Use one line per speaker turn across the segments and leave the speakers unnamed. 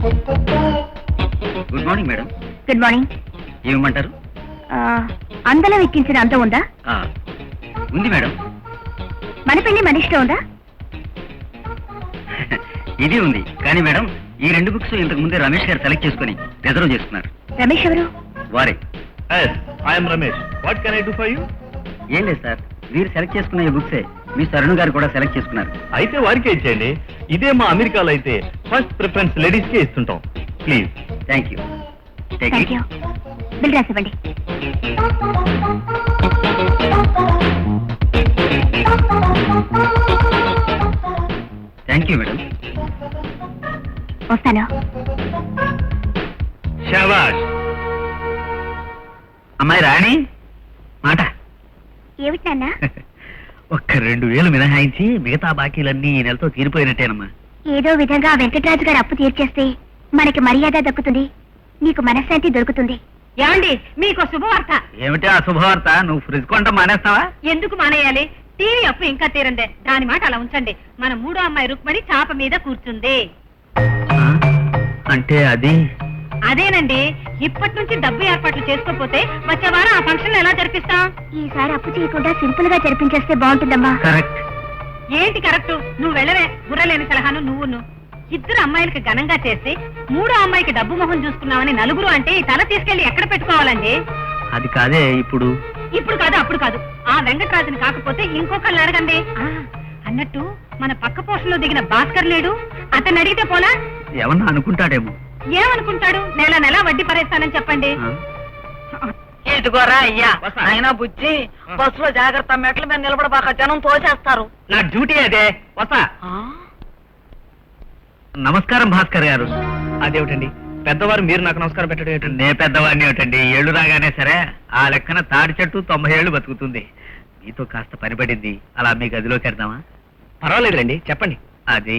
Good morning madam.
Good morning.
ఏమంటారు?
అందలం ఎక్కించిన అందం ఉందా?
ఉంది మేడం.
మన పెళ్లి మన ఇష్టం ఉందా?
ఇది ఉంది. కానీ మేడం, ఈ 2 బుక్స్ ఇంతకు ముందే రమేష్ గారు సెలెక్ట్ చేసుకుని రిజర్వ్ చేసుకున్నారు.
రమేష్ ఎవరు?
వారే.
I'm Ramesh. What can I do for you?
ఏం లేదు సార్, మీరు సెలెక్ట్ చేసుకున్న ఈ బుక్సే మీ తరుణ్ గారు కూడా సెలెక్ట్ చేసుకున్నారు.
అయితే వారికే ఇచ్చేయండి. ఇదే మా అమెరికాలో అయితే ఫస్ట్ ప్రిఫరెన్స్ లేడీస్ కే ఇస్తుంటాం. Please.
Thank you.
Thank you. Bill రాసివ్వండి.
Thank you madam.
వస్తాను.
శాబాష్.
అమ్మాయి రాణి మాట.
ఏమిటి నాన్న?
ఒక్క 2000 మినహాయించి మిగతా బాకీలన్నీ ఈ నెలతో తీరిపోయినట్టేనమ్మా.
ఏదో విధంగా వెంకటరాజు గారు అప్పు తీర్చేస్తే మనకి మర్యాద దక్కుతుంది, నీకు మనశ్శాంతి దొరుకుతుంది. ఏమండి, మీకు శుభవార్త.
ఏమిటి ఆ శుభవార్త? నువ్వు ఫ్రిడ్జ్ కొంట మానేస్తావా?
ఎందుకు మానేయాలి? టీవీ అప్పు ఇంకా తీరందే. దాని మాట అలా ఉంచండి. మన 3వ అమ్మాయి రుక్మణి చాప మీద కూర్చుంది.
అంటే అది?
అదేనండి. ఇప్పటి నుంచి డబ్బు ఏర్పాట్లు చేసుకోకపోతే వచ్చే వారం ఆ ఫంక్షన్ ఎలా జరిపిస్తాం? ఈసారి అప్పు చేయకుండా సింపుల్ గా జరిపించేస్తే బాగుంటుందమ్మా.
కరెక్ట్.
ఏంటి కరెక్ట్? నువ్వు వెళ్ళవే. బుర్రలేని సలహాను నువ్వును. 2 అమ్మాయిలకి ఘనంగా చేసి 3వ అమ్మాయికి డబ్బు మొహం చూసుకున్నామని నలుగురు అంటే ఈ తల తీసుకెళ్లి ఎక్కడ పెట్టుకోవాలండి?
అది కాదే ఇప్పుడు.
ఇప్పుడు కాదు, అప్పుడు కాదు. ఆ వెంకటరాజుని కాకపోతే ఇంకొకళ్ళని అడగండి. అన్నట్టు మన పక్క పోషణలో దిగిన భాస్కర్ లేడు, అతన్ని అడిగితే పోలా?
ఏమన్నా అనుకుంటాడేమో.
ఏమనుకుంటాడు? నెల నెల వడ్డీ పరేస్తానని చెప్పండి.
ఇదిగోరా అయ్యా, ఆయన బుజ్జి బస్సులో జాగ్రత్త, మెట్ల మీద నిలబడబాక, జనం తోసేస్తారు.
నా డ్యూటీ అదే. వస్తా. నమస్కారం భాస్కర్ గారు.
అదేమిటండి పెద్దవారు మీరు నాకు నమస్కారం పెట్టడం ఏంటండి?
నే పెద్దవాడిని ఏమిటండి, ఏళ్ళు రాగానే సరే ఆ లెక్కన తాడి చెట్టు 90 ఏళ్ళు బతుకుతుంది. మీతో కాస్త పని పడింది, అలా మీ గదిలోకి వెళ్దామా?
పర్వాలేదులేండి, చెప్పండి.
అది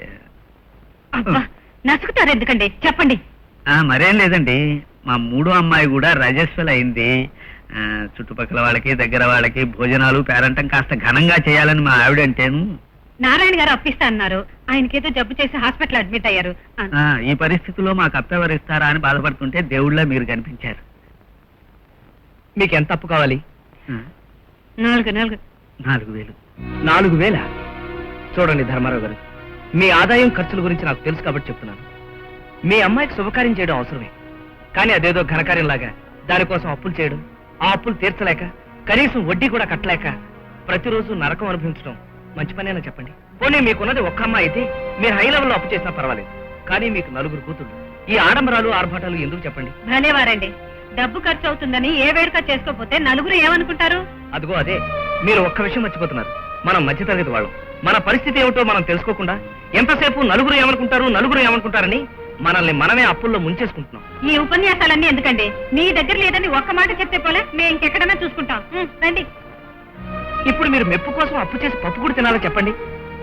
నసుకుతారు ఎందుకండి, చెప్పండి.
మరేం లేదండి, మా 3వ అమ్మాయి కూడా రజస్వల్ అయింది. చుట్టుపక్కల వాళ్ళకి దగ్గర వాళ్ళకి భోజనాలు పేరంటం కాస్త ఘనంగా చేయాలని మా ఆవిడంటేను.
నారాయణ గారు అప్పిస్తా అన్నారు. ఆయనకేదో జబ్బు చేసి హాస్పిటల్ అడ్మిట్ అయ్యారు.
ఈ పరిస్థితుల్లో మాకు అప్పెవరిస్తారా అని బాధపడుతుంటే దేవుళ్ళ మీరు కనిపించారు.
మీకు ఎంత అప్పు కావాలి?
4,000.
4,000? చూడండి ధర్మారావు గారు, మీ ఆదాయం ఖర్చుల గురించి నాకు తెలుసు కాబట్టి చెప్తున్నాను. మీ అమ్మాయికి శుభకార్యం చేయడం అవసరమే, కానీ అదేదో ఘనకార్యంలాగా దానికోసం అప్పులు చేయడం, ఆ అప్పులు తీర్చలేక కనీసం వడ్డీ కూడా కట్టలేక ప్రతిరోజు నరకం అనుభవించడం మంచి పనేనా చెప్పండి? పోనీ మీకున్నది ఒక్క అమ్మాయి అయితే మీరు హై లెవెల్లో అప్పు చేసినా పర్వాలేదు, కానీ మీకు 4 కూతుళ్ళు. ఈ ఆడంబరాలు ఆర్భాటాలు ఎందుకు చెప్పండి?
భలేవారండి. డబ్బు ఖర్చు అవుతుందని ఏ వేడుక చేసుకోకపోతే నలుగురు ఏమనుకుంటారు?
అదిగో అదే, మీరు ఒక్క విషయం మర్చిపోతున్నారు. మనం మధ్యతరగతి వాళ్ళం. మన పరిస్థితి ఏమిటో మనం తెలుసుకోకుండా ఎంతసేపు నలుగురు ఏమనుకుంటారని మనల్ని మనమే అప్పుల్లో ముంచేసుకుంటున్నాం.
ఈ ఉపన్యాసాలన్నీ ఎందుకండి? మీ దగ్గర లేదని ఒక్క మాట చెప్తే పోలే, మేము ఇంకెక్కడైనా చూసుకుంటాం. రండి.
ఇప్పుడు మీరు మెప్పు కోసం అప్పు చేసి పప్పు కూడా తినాలో చెప్పండి?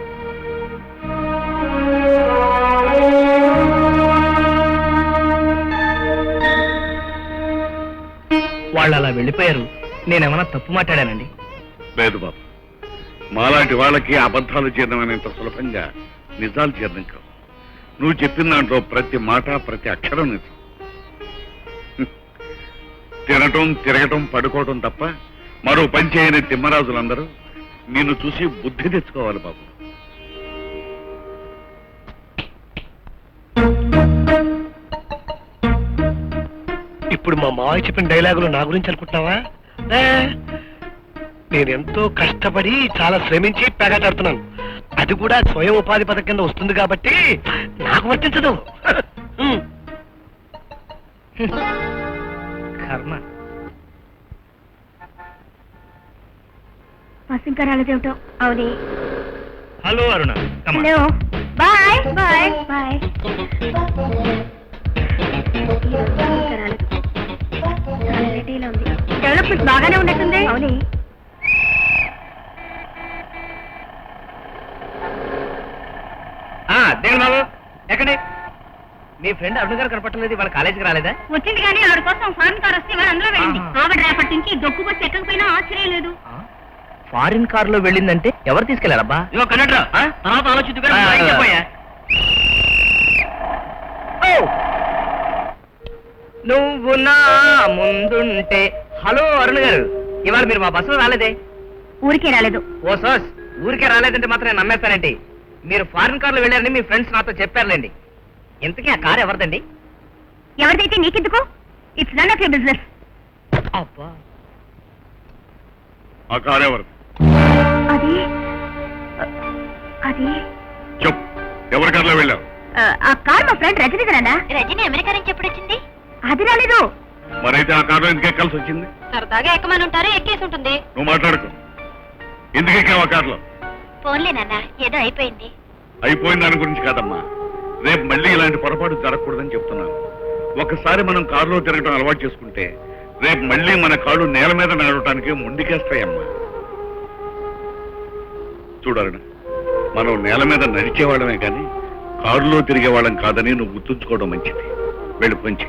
వాళ్ళు అలా వెళ్ళిపోయారు. నేనేమన్నా తప్పు మాట్లాడానండి?
లేదు బాబు, మాలాంటి వాళ్ళకి అబద్ధాలు జీర్ణమైనంత సులభంగా నిజాలు జీర్ణం కావు. నువ్వు చెప్పిన దాంట్లో ప్రతి మాట ప్రతి అక్షరం నిజం. తినటం తిరగటం పడుకోవటం తప్ప మరో పని చేయని తిమ్మరాజులందరూ నిన్ను చూసి బుద్ధి తెచ్చుకోవాలి బాబు.
ఇప్పుడు మా మావయ్య చెప్పిన డైలాగులు నా గురించి అనుకుంటున్నావా? నేనెంతో కష్టపడి చాలా శ్రమించి పేగాటాడుతున్నాను. అది కూడా స్వయం ఉపాధి పథకం కింద వస్తుంది కాబట్టి నాకు వర్తించదు.
కర్మ.
ఇంకా రాలేదేమిటో. అవునే.
Hello Aruna.
Hello. Bye bye bye. Development బాగానే ఉన్నట్టుంది. అవునే.
దేవుడు బాబు ఎక్కడే? మీ ఫ్రెండ్ అరుణ్ గారు కనపట్టలేదు, వాళ్ళ కాలేజీకి రాలేదా?
వచ్చింది కానీ ఆవిడ కోసం ఫారెన్ కార్ వస్తే అందులో వెళ్ళింది. ఆవిడ రేపటి నుంచి దొక్కు బస్సు ఎక్కకపోయినా ఆశ్చర్యం లేదు.
ఫారిన్ కార్ లో వెళ్ళిందంటే ఎవరు తీసుకెళ్లారబ్బా?
కండక్టర్ తర్వాత ఆలోచించుకోయా.
నువ్వు నా ముందుంటే. హలో అరుణ్ గారు, ఇవాళ మీరు మా బస్సులో రాలేదే?
ఊరికే రాలేదు.
ఓ సోస్, ఊరికే రాలేదంటే మాత్రం నేను నమ్మేస్తానండి. మీరు ఫారిన్ కార్లో వెళ్ళారని మీ ఫ్రెండ్స్ నాతో చెప్పారులేండి. ఇంతకీ ఆ కార్ ఎవరిదండి?
ఎవరిదైతే నీకెందుకు? It's none of your business.
అబ్బా,
ఆ కారు ఎవరు?
అది అది
చెప్పు, ఎవరి కారులో వెళ్ళావు?
ఆ కార్ మా ఫ్రెండ్ రజనీదనా? రజనీ అమెరికా నుంచి ఎప్పుడు వచ్చింది? అది రాలేదు.
మరైతే ఆ కారులో ఎందుకు ఎక్కాల్సి వచ్చింది?
సరదాగా ఎక్కమని ఉంటారు, ఎక్కేసి ఉంటుంది.
నువ్వు మాట్లాడుకో. ఎందుకు ఎక్కావు ఆ కారులో?
ఫోన్లే నాన్న, ఏదో అయిపోయింది.
అయిపోయిన దాని గురించి కాదమ్మా, రేపు మళ్ళీ ఇలాంటి పొరపాటు జరగకూడదని చెప్తున్నాను. ఒకసారి మనం కారులో తిరగడం అలవాటు చేసుకుంటే రేపు మళ్ళీ మన కాళ్ళు నేల మీద నడవటానికి ముందుకేస్తాయమ్మా. చూడరుణ, మనం నేల మీద నడిచేవాళ్ళమే కానీ కారులో తిరిగేవాళ్ళం కాదని నువ్వు గుర్తుంచుకోవడం మంచిది. వెళ్ళి పొంచి.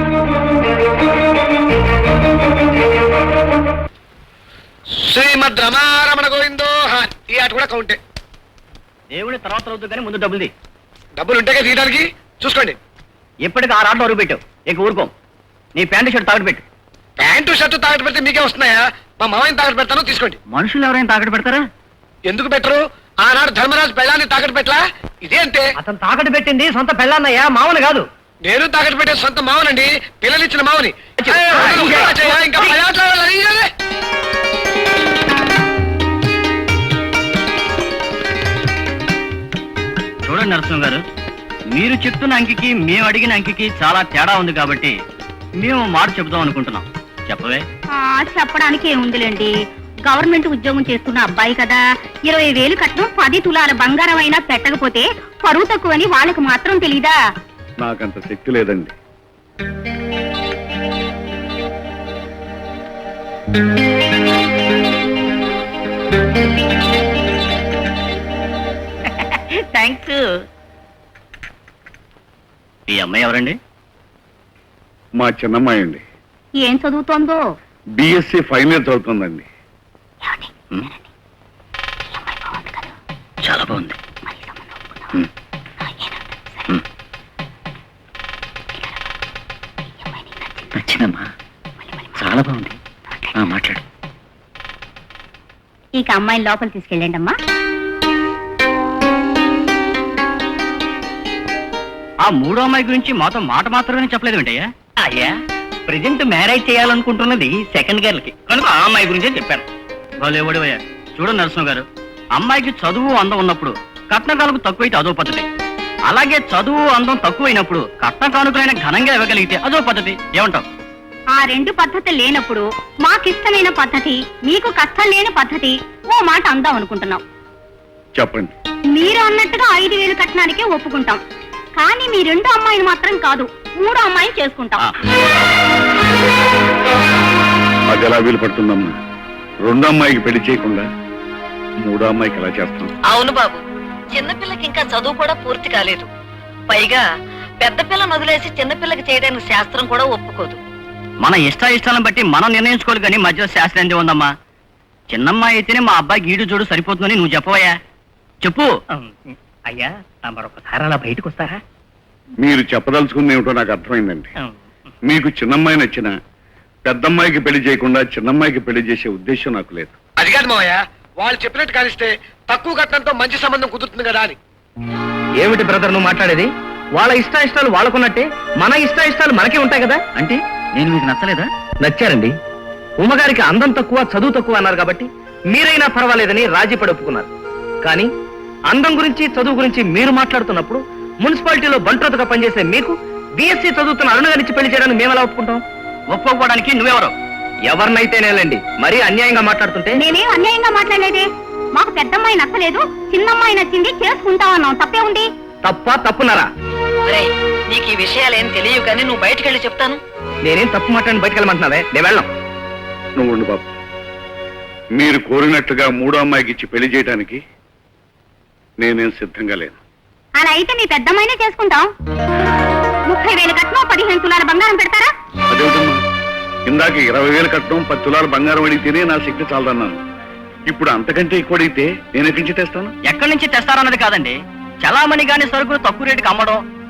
శ్రీమద్ రమారమణ గోవిందో. ఈ ఆట కూడా కౌంటే.
దేవుడి తర్వాత అవుతుంది కానీ ముందు డబ్బులుది.
డబ్బులు ఉంటే తీయడానికి చూసుకోండి.
ఇప్పటికి 6 ఆటలు అరుగు పెట్టావు, ఇక ఊరుకోం. నీ ప్యాంటు షర్ట్ తాగట్టు పెట్టు.
ప్యాంటు షర్టు తాకట్టు పెడితే మీకే వస్తున్నాయా? మా మామయ్యని తాకట్టు పెడతాను, తీసుకోండి.
మనుషులు ఎవరైనా తాకట్టు పెడతారా?
ఎందుకు పెట్టరు? ఆనాడు ధర్మరాజు పెళ్ళాన్ని తాకట్టు పెట్టలా? ఇదే అంతే.
అతను తాకట్టు పెట్టింది సొంత పెళ్ళాన్నయ్యా, మామూలు కాదు.
నేను తాకట్టు పెట్టే సొంత మావనండి, పిల్లలిచ్చిన మావని. ఇంకా పది ఆటలు ఆడాలి.
చూడండి నరసింహ గారు, మీరు చెప్తున్న అంకికి మేము అడిగిన అంకికి చాలా తేడా ఉంది కాబట్టి మేము మాట చెబుదాం అనుకుంటున్నాం. చెప్పవే.
చెప్పడానికి ఏముందిలేండి, గవర్నమెంట్ ఉద్యోగం చేస్తున్న అబ్బాయి కదా, 20,000 కట్నం 10 తులాల బంగారం అయినా పెట్టకపోతే పరువు తక్కువని వాళ్ళకి మాత్రం తెలీదా?
నాకంత శక్తి లేదండి.
థ్యాంక్స్. ఈ అమ్మాయి ఎవరండి?
మా చిన్నమ్మాయి అండి.
ఏం చదువుతోందో?
బిఎస్సి ఫైనల్ ఇయర్ చదువుతుందండి.
చాలా బాగుంది. నచ్చిందమ్మా, చాలా బాగుంది. మాట్లాడు.
ఇక అమ్మాయిని లోపల తీసుకెళ్ళండి అమ్మా.
ఆ మూడో అమ్మాయి గురించి మాతో మాట మాత్రమే చెప్పలేదు ఏంటయ్యా? అయ్యా, ప్రెజెంట్ మ్యారేజ్ చేయాలనుకుంటున్నది సెకండ్ గర్ల్ కి కనుక ఆ అమ్మాయి గురించే చెప్పాను. వాళ్ళేవడివయ్యా. చూడండి నరసింహ గారు, అమ్మాయికి చదువు అందం ఉన్నప్పుడు కట్న కానుక తక్కువైతే అదో పద్ధతి, అలాగే చదువు అందం తక్కువైనప్పుడు కట్న కానుకలైన ఘనంగా ఇవ్వగలిగితే అదో పద్ధతి. ఏమంటావు?
ఆ 2 పద్ధతులు లేనప్పుడు మాకిష్టమైన పద్ధతి, మీకు కష్టం లేని పద్ధతి ఓ మాట అందాం అనుకుంటున్నాం.
చెప్పండి.
మీరు అన్నట్టుగా 5,000 కట్నానికే ఒప్పుకుంటాం, కానీ మీ 2వ అమ్మాయిని మాత్రం కాదు, 3వ అమ్మాయిని చేసుకుంటాం.
అది ఎలా వీలు పడుతుందమ్మా? 2వ అమ్మాయికి పెళ్లి చేయకుండా 3వ అమ్మాయికి ఎలా చేస్తాం?
అవును బాబు, చిన్నపిల్లకి ఇంకా చదువు కూడా పూర్తి కాలేదు. పైగా పెద్ద పిల్లని వదిలేసి చిన్నపిల్లకి చేయడానికి శాస్త్రం కూడా ఒప్పుకోదు.
మన ఇష్టాలను బట్టి మనం నిర్ణయించుకోవాలి కానీ మధ్యలో శాస్త్రం ఏంది ఉందమ్మా. చిన్నమ్మాయి అయితేనే మా అబ్బాయికి ఈడు చూడు సరిపోతుందని నువ్వు చెప్పవయ్యా. చెప్పు. అయ్యా, మరొకసారి అలా బయటకు వస్తారా?
మీరు చెప్పదలుచుకుంది ఏమిటో నాకు అర్థమైందండి. మీకు చిన్నమ్మాయి నచ్చిన పెద్దమ్మాయికి పెళ్లి చేయకుండా చిన్నమ్మాయికి పెళ్లి చేసే ఉద్దేశం నాకు లేదు.
అది కాదు మావయ్య, వాళ్ళు చెప్పినట్టు కానిస్తే తక్కువ కట్నంతో మంచి సంబంధం కుదురుతుంది కదా అని.
ఏమిటి బ్రదర్ నువ్వు మాట్లాడేది? వాళ్ళ ఇష్టాలు వాళ్ళకున్నట్టే మన ఇష్టాలు మనకే ఉంటాయి కదా. అంటే నేను మీకు నచ్చలేదా? నచ్చారండి. ఉమ్మగారికి అందం తక్కువ చదువు తక్కువ అన్నారు కాబట్టి మీరైనా పర్వాలేదని రాజీ పడి ఒప్పుకున్నారు. కానీ అందం గురించి చదువు గురించి మీరు మాట్లాడుతున్నప్పుడు మున్సిపాలిటీలో బంట్రోతుగా పనిచేసే మీకు బిఎస్సీ చదువుతున్న అరుణగారిచ్చి పెళ్లి చేయడానికి మేము ఎలా ఒప్పుకుంటాం? ఒప్పుకోవడానికి నువ్వెవరు? ఎవరినైతేనేలండి, మరీ అన్యాయంగా మాట్లాడుతుంటే.
నేనేం అన్యాయంగా మాట్లాడలేదే, మాకు పెద్దమ్మాయి నచ్చలేదు, చిన్నమ్మాయి నచ్చింది, చేసుకుంటామన్నాం. తప్పే ఉంది?
తప్పున్నారా?
నీకు ఈ విషయాలేం తెలియవు కానీ నువ్వు బయటకు వెళ్ళి చెప్తాను.
నేనేం తప్పు మాట్లాడి బయటకు వెళ్ళమంటున్నావే, నేను వెళ్ళాం.
నువ్వు ఉండు బాబు. మీరు కోరినట్టుగా 3వ అమ్మాయికి ఇచ్చి పెళ్లి చేయడానికి నేనేం సిద్ధంగా లేను.
అలా అయితే మీ పెద్దమ్మాయినే చేసుకుంటాం. 30,000 కట్నం 15 తులాల బంగారం పెడతారా?
అదేమిటమ్మా, ఇందాక 20,000 కట్నం 10 తులాల బంగారం అడిగితేనే నా శక్తి చాలదన్నాను. ఇప్పుడు అంతకంటే ఎక్కువ అడిగితే నేను ఎక్కడి నుంచి తెస్తాను?
ఎక్కడి నుంచి తెస్తారన్నది కాదండి, చలామణి గాని సరుకులు తక్కువ రేటుకి అమ్మడం,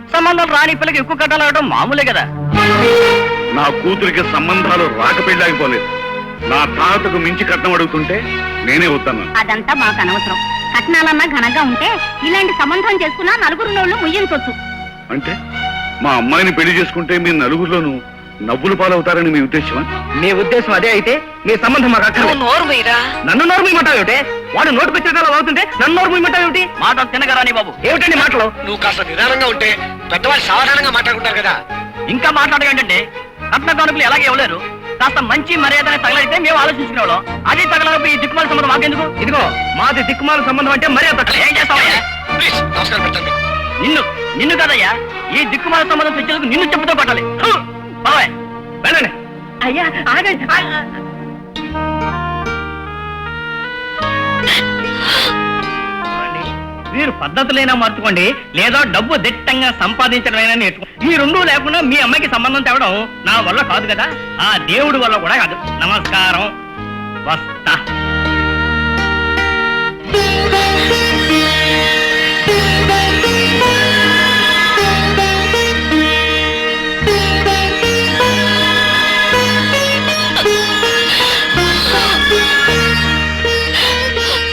సంబంధం రాని పిల్లకి ఎక్కువ కట్టాలవడం మామూలే కదా.
నా కూతురికి సంబంధాలు రాక పెళ్ళాగిపోలేదు. నా తాతకు మించి కట్నం అడుగుతుంటే నేనే వస్తాను.
అదంతా మాకు అనవసరం. కట్నాలన్నా ఘనంగా ఉంటే ఇలాంటి సంబంధం చేసుకున్నా నలుగురు నోళ్ళు ముయ్యించొచ్చు.
అంటే మా అమ్మాయిని పెళ్లి చేసుకుంటే మీ నలుగురిలోనూ నవ్వులు పాలవుతారని మీ ఉద్దేశమా?
మీ ఉద్దేశం అదే అయితే మీ సంబంధం మాకు అక్కడ.
నువ్వు నోరు మీరా?
నన్ను నోరు మీమంటావు ఏమిటి? వాడు నోటుకు వచ్చేలా అవుతుంటే నన్ను నోరు మీమంటావు ఏమిటి? మాట తినగరాని బాబు. ఏమిటండి మాటలు?
నువ్వు కాస్త నిదానంగా ఉంటే పెద్దవాళ్ళు సాధారణంగా మాట్లాడుకుంటారు కదా.
ఇంకా మాట్లాడగంటే కట్న కానుకలు ఎలాగే ఇవ్వలేరు. కాస్త మంచి మర్యాదనే తగలైతే మేము ఆలోచించుకునేవాళ్ళం. అది తగలనప్పుడు ఈ దిక్కుమాల సంబంధం మాకెందుకు? ఇదిగో మాది దిక్కుమాల సంబంధం అంటే మర్యాద. ఏం చేస్తావయ్యా?
ప్లీజ్ నమస్కారం పెట్టండి.
నిన్ను కదయ్యా, ఈ దిక్కుమాల సంబంధం తెచ్చేందుకు నిన్ను చెప్పుతో పట్టాలి. బాబాయ్ వెళ్ళండి. అయ్యా ఆగండి. మీరు పద్ధతులైనా మార్చుకోండి, లేదా డబ్బు దిట్టంగా సంపాదించడమైనా నేర్చుకో. ఈ రెండూ లేకుండా మీ అమ్మాయికి సంబంధం తేవడం నా వల్ల కాదు కదా, ఆ దేవుడి వల్ల కూడా కాదు. నమస్కారం, వస్తా.